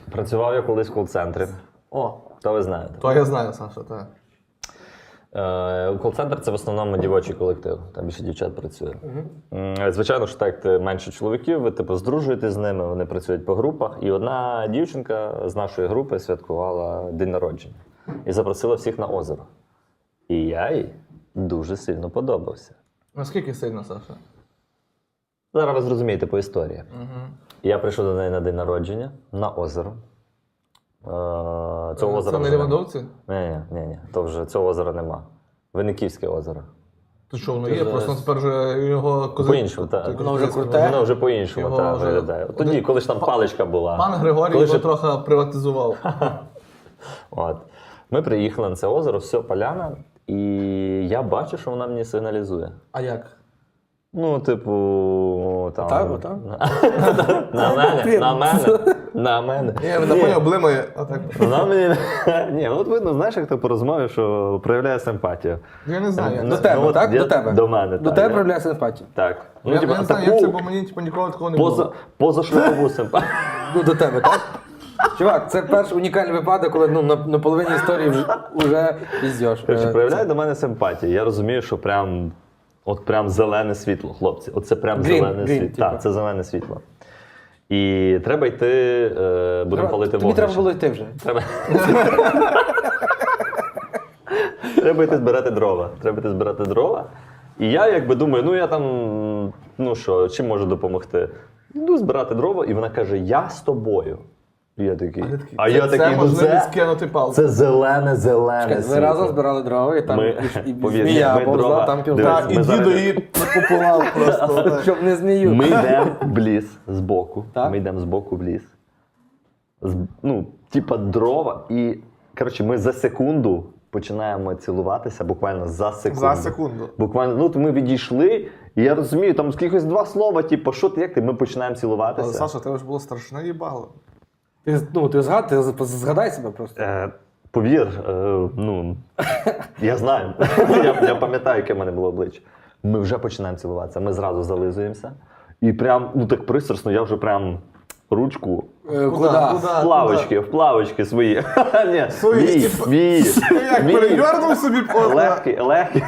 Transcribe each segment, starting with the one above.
Працював я колись в кол-центрі. О, То ви знаєте. то я знаю, Саша, так. Кол-центр – це в основному дівочий колектив, там більше дівчат працює. Звичайно, що так, ти менше чоловіків, ви типу здружуєтесь з ними, вони працюють по групах. І одна дівчинка з нашої групи святкувала день народження і запросила всіх на озеро. І я їй дуже сильно подобався. Наскільки сильно, Саша? Зараз ви зрозумієте по історії. Я прийшов до неї на день народження на озеро. Цього озера Це не вже Лівандовці? Ні. То вже цього озера нема. Винниківське озеро. То що, воно є? Просто тепер вже його козак... По-іншому, так. Воно вже круте? Воно вже по-іншому Його так, вже- виглядає. Тоді, коли ж там паличка була. Пан Григорій Коли його ще- трохи приватизував. От. Ми приїхали на це озеро, все, поляна, і я бачу, що вона мені сигналізує. А як? Ну, типу, там... Отак? На мене. Ні, не поняв, блимає. Отак. Вона мені... Ні, от видно, знаєш, як ти по розмові, що проявляє симпатію. Я не знаю. До тебе, от так? я- До тебе? До мене, До так. тебе Я- проявляє симпатію? Так. Я типу, не знаю, як це, бо мені ніколи такого не було. Позашлюбову симпатію. Ну, до тебе, так? Чувак, це перший унікальний випадок, коли на половині історії вже піздєш. Проявляє до мене симпатію. Я розумію, що прям зелене світло, хлопці. Оце прям зелене світло. типу. Так, це зелене світло. І треба йти, будемо палити Тобі вогнище. треба було йти вже. Треба йти збирати дрова. І я якби думаю, ну я там, ну що, чим можу допомогти? Йду збирати дрова, і вона каже, я з тобою. І я такий, Це можливість кинути палку. це зелене Ви світло. разом збирали дрова, і там Ми- і повір, змія ми повзла, дрова- там дивись, Так, і ми зараз- дідо її накупував просто. щоб не змію. Ми йдемо в ліс збоку. Так? Ми йдемо збоку в ліс. Ну, типа дрова. І, коротше, ми за секунду починаємо цілуватися, буквально за секунду. За секунду. Буквально, ну, то ми відійшли, і я розумію, там якихось два слова, типу, що ти, як ти, ми починаємо Але, цілуватися. Саша, тебе ж було страшне їбало. Ти згадай себе просто. Повір, ну, я знаю. Я пам'ятаю, яке в мене було обличчя. Ми вже починаємо цілуватися, ми зразу зализуємося. І прям, ну так пристрасно, я вже прям ручку в плавочки свої. Ні, Свої, мій. Ти як перевернув собі просто. Легкий.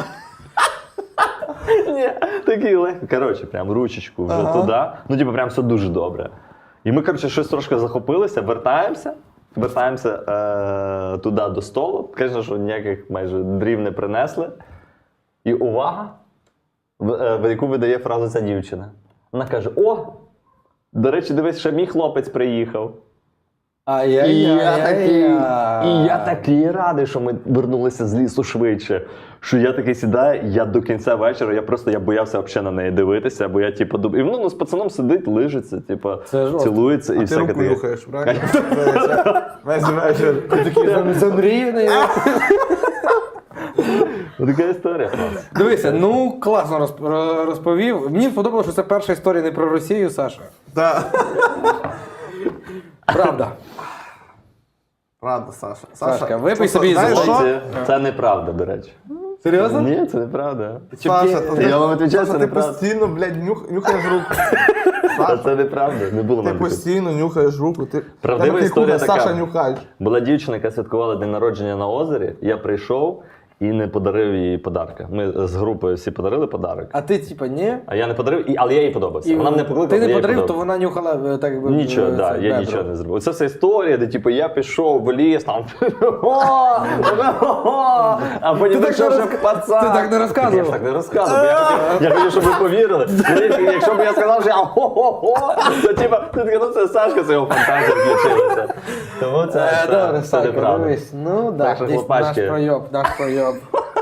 Ні, такий легкий. Коротше, прям ручечку вже туди. Ну, типу, прям все дуже добре. І ми, коротше, щось трошки захопилися, вертаємося туди до столу. Звісно, що ніяких майже дрів не принесли. І увага, в яку видає фразу ця дівчина. Вона каже, о, до речі, дивись, ще мій хлопець приїхав. І я такий радий, що ми вернулися з лісу швидше. Що я такий сідаю, я до кінця вечора, я боявся взагалі на неї дивитися, бо я типу думаю, і ну з пацаном сидить, лижиться, типу, цілується і Ти всяке руку таке. нюхаєш, правильно? Весь вечір. Ти такий Замріяний. Така історія. Дивися, ну класно розповів. Мені сподобалося, що це перша історія не про Росію, Саша. Правда. Правда, Саша. Сашка, випий собі знаєш із що? Це неправда, до речі. Серйозно? Ні, це неправда. Саша, Я вам відповідаю, це ти неправда. постійно, блядь, нюхаєш руку. Це неправда, не було Ти мене. постійно нюхаєш руку. Ти Правдива такий історія кухар, така. Саша нюхач. Була дівчина, яка святкувала день народження на озері, я прийшов і не подарив їй подарка. Ми з групою всі подарили подарок. А ти, типа, ні? А я не подарив, але я їй подобався. Вона мене покликала, Ти не я їй подарив, то подобався. вона нюхала так якби. Нічого, це, я бедро. нічого не зробив. Це вся історія, де типу, я пішов в ліс, там, а потім так пішов не ще пацан. ти так не розказував. Я ж так не розказував. Я хотів, щоб ви повірили. Якщо б я сказав, що я хо-хо-хо, то типу, ти такий, ну це Сашка, це його фантазія включилася. Тому Добре, це Сашка, неправда. дивись. Ну, Так так, що, наш хлопачки. пройоб.